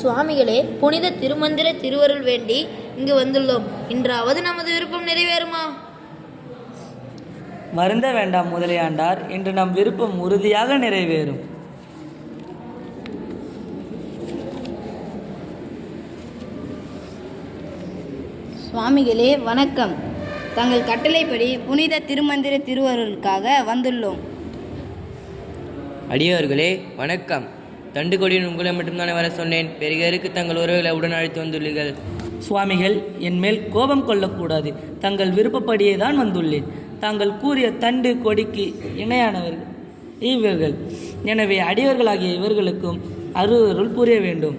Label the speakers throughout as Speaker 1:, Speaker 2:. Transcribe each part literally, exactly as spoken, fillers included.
Speaker 1: சுவாமிகளே, புனித திருமந்திர திருவருள் வேண்டி இங்கு வந்துள்ளோம். இன்றாவது நமது விருப்பம் நிறைவேறுமா?
Speaker 2: வருந்த வேண்டாம் முதலியாண்டார், இன்று நம் விருப்பம் உறுதியாக நிறைவேறும்.
Speaker 3: சுவாமிகளே வணக்கம். தங்கள் கட்டளைப்படி புனித திருமந்திர திருவருளுக்காக வந்துள்ளோம்.
Speaker 4: அடியவர்களே வணக்கம். தண்டு கொடியின் உங்களை மட்டும்தானே வர சொன்னேன். பெருகருக்கு தங்கள் உறவுகளை உடன் அழைத்து வந்துள்ளீர்கள்.
Speaker 2: சுவாமிகள், என் மேல் கோபம் கொள்ளக்கூடாது. தங்கள் விருப்பப்படியே தான் வந்துள்ளேன். தாங்கள் கூறிய தண்டு கொடிக்கு இணையானவர்கள் இவர்கள். எனவே அடியவர்களாகிய இவர்களுக்கும் அருள் புரிய வேண்டும்.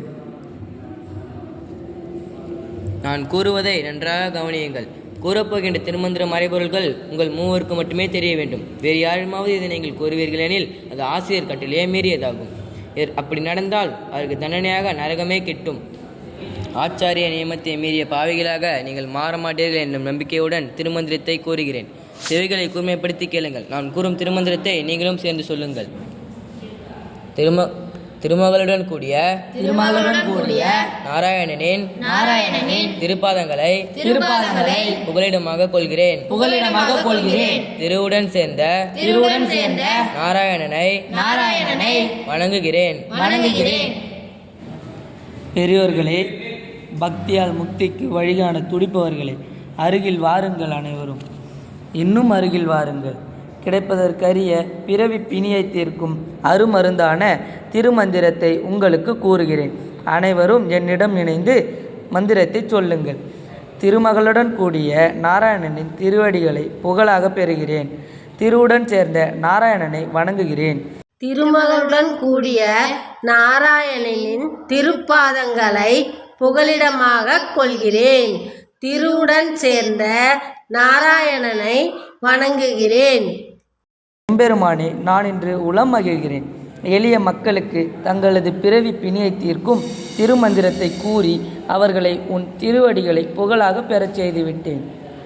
Speaker 4: நான் கூறுவதை நன்றாக கவனியுங்கள். கூறப்போகின்ற திருமந்திர மறைபொருள்கள் உங்கள் மூவருக்கு மட்டுமே தெரிய வேண்டும். வேறு யாருமாவது இதை நீங்கள் கூறுவீர்கள் எனில் அது ஆசிரியர் கட்டளையே மீறியதாகும். அப்படி நடந்தால் அதற்கு தண்டனையாக நரகமே கிட்டும். ஆச்சாரிய நியமத்தை மீறிய பாவிகளாக நீங்கள் மாற மாட்டீர்கள் என்னும் நம்பிக்கையுடன் திருமந்திரத்தை கூறுகிறேன். செவிகளை கூர்மைப்படுத்தி கேளுங்கள். நான் கூறும் திருமந்திரத்தை நீங்களும் சேர்ந்து சொல்லுங்கள். திரும திருமகளுடன் கூடிய
Speaker 1: திருமகளுடன் கூடிய
Speaker 4: நாராயணனின்
Speaker 1: நாராயணனின்
Speaker 4: திருப்பாதங்களை
Speaker 1: திருப்பாதங்களை
Speaker 4: புகலிடமாக கொள்கிறேன்
Speaker 1: புகலிடமாக கொள்கிறேன்.
Speaker 4: திருவுடன் சேர்ந்த
Speaker 1: திருவுடன் சேர்ந்த
Speaker 4: நாராயணனை
Speaker 1: நாராயணனை
Speaker 4: வணங்குகிறேன்
Speaker 1: வணங்குகிறேன்.
Speaker 2: பெரியோர்களே, பக்தியால் முக்திக்கு வழிகாண துடிப்பவர்களே, அருகில் வாருங்கள். அனைவரும் இன்னும் அருகில் வாருங்கள். கிடைப்பதற்கரிய பிறவி பிணியை தீர்க்கும் அருமருந்தான திருமந்திரத்தை உங்களுக்கு கூறுகிறேன். அனைவரும் என்னிடம் இணைந்து மந்திரத்தை சொல்லுங்கள். திருமகளுடன் கூடிய நாராயணனின் திருவடிகளை புகழாக பெறுகிறேன். திருவுடன் சேர்ந்த நாராயணனை வணங்குகிறேன்.
Speaker 5: திருமகளுடன் கூடிய நாராயணனின் திருப்பாதங்களை புகலிடமாக கொள்கிறேன். திருவுடன் சேர்ந்த நாராயணனை வணங்குகிறேன்.
Speaker 2: எம்பெருமானே, நான் இன்று உளம் மகிழ்கிறேன். எளிய மக்களுக்கு தங்களது பிறவி பிணியை தீர்க்கும் திருமந்திரத்தை கூறி அவர்களை உன் திருவடிகளை புகழாக பெறச் செய்துவிட்டேன்.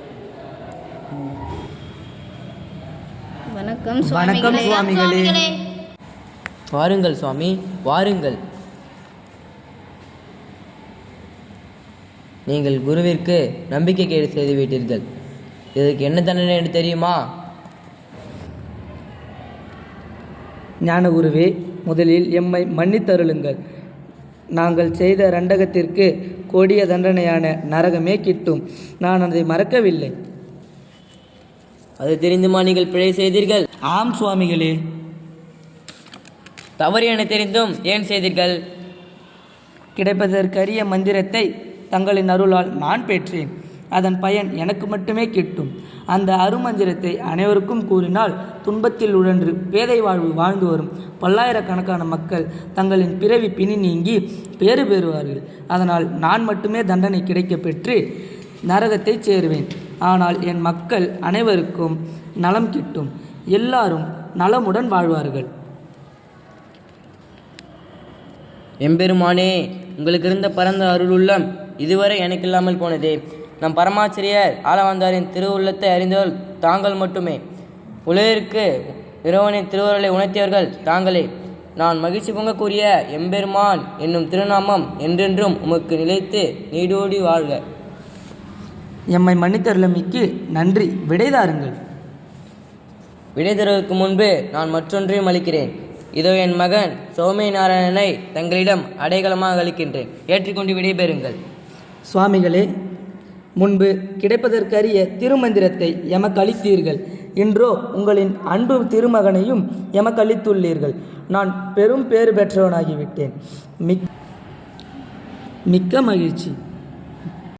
Speaker 3: வணக்கம்
Speaker 2: வணக்கம் சுவாமிகளே.
Speaker 4: வாருங்கள் சுவாமி, வாருங்கள். நீங்கள் குருவிற்கு நம்பிக்கை கேடு செய்துவிட்டீர்கள். இதற்கு என்ன தண்டனை என்று தெரியுமா?
Speaker 2: ஞானகுருவே, முதலில் எம்மை மன்னித்தருளுங்கள். நாங்கள் செய்த ரண்டகத்திற்கு கொடிய தண்டனையான நரகமே கிட்டும். நான் அதை மறக்கவில்லை.
Speaker 4: அது தெரிந்துமா நீங்கள் பிழை செய்தீர்கள்?
Speaker 2: ஆம் சுவாமிகளே.
Speaker 4: தவறு என தெரிந்தும் ஏன் செய்தீர்கள்?
Speaker 2: கிடைப்பதற்கரிய மந்திரத்தை தங்களின் அருளால் நான் பெற்றேன். அதன் பயன் எனக்கு மட்டுமே கிட்டும். அந்த அருமந்திரத்தை அனைவருக்கும் கூறினால் துன்பத்தில் உழன்று பேதை வாழ்வு வாழ்ந்து வரும் பல்லாயிரக்கணக்கான மக்கள் தங்களின் பிறவி பிணி நீங்கி பேறு பெறுவார்கள். அதனால் நான் மட்டுமே தண்டனை கிடைக்க பெற்று நரகத்தை சேருவேன். ஆனால் என் மக்கள் அனைவருக்கும் நலம் கிட்டும். எல்லாரும் நலமுடன் வாழ்வார்கள்.
Speaker 4: எம்பெருமானே, உங்களுக்கு இருந்த பரந்த அருள் உள்ளம் இதுவரை எனக்கு இல்லாமல் போனதே. நம் பரமாச்சரியர் ஆளவந்தாரின் திருவுள்ளத்தை அறிந்தவர்கள் தாங்கள் மட்டுமே. உலகிற்கு இறைவனின் திருவருளை உணர்த்தியவர்கள் தாங்களே. நான் மகிழ்ச்சி பொங்க கூறிய எம்பெருமான் என்னும் திருநாமம் என்றென்றும் உமக்கு நிலைத்து நீடோடி வாழ்க.
Speaker 2: எம்மை மன்னித்தருளமைக்கு நன்றி. விடைதாருங்கள்.
Speaker 4: விடை தருவதற்கு முன்பு நான் மற்றொன்றையும் அளிக்கிறேன். இதோ என் மகன் சௌமிய நாராயணனை தங்களிடம் அடைக்கலமாக அளிக்கின்றேன். ஏற்றிக்கொண்டு விடைபெறுங்கள்.
Speaker 2: சுவாமிகளே, முன்பு கிடைப்பதற்கரிய திருமந்திரத்தை எமக்கு அளித்தீர்கள். இன்றோ உங்களின் அன்பு திருமகனையும் எமக்கு அளித்துள்ளீர்கள். நான் பெரும் பேறு பெற்றவனாகிவிட்டேன். மிக் மிக்க மகிழ்ச்சி.